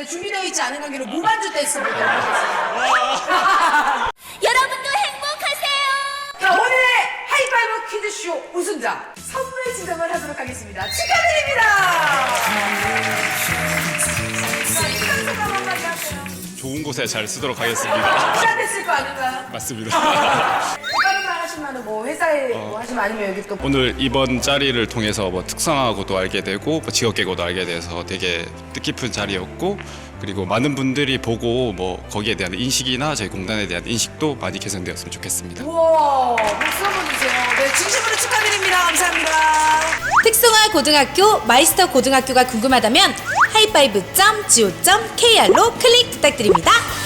준비되어 있지 않은 관계로 무반주 댄스 보도록 하겠습니다. 여러분도 행복하세요. 자, 오늘의 하이파이브 퀴즈쇼 우승자 선물 지정을 하도록 하겠습니다. 축하드립니다. 자, 인간 소감 한마디 하세요. 좋은 곳에 잘 쓰도록 하겠습니다. 시작됐을 거 아닌가요? 맞습니다. 다른 말 하시면 뭐 회사에 뭐 하시면 아니면 여기 또 오늘 이번 자리를 통해서 뭐 특성하고도 알게 되고 뭐 직업 계고도 알게 돼서 되게 뜻깊은 자리였고, 그리고 많은 분들이 보고 뭐 거기에 대한 인식이나 저희 공단에 대한 인식도 많이 개선되었으면 좋겠습니다. 우와, 박수 한번 주세요. 네, 진심으로 축하드립니다. 감사합니다. 특성화 고등학교, 마이스터 고등학교가 궁금하다면 하이파이브.go.kr로 클릭 부탁드립니다.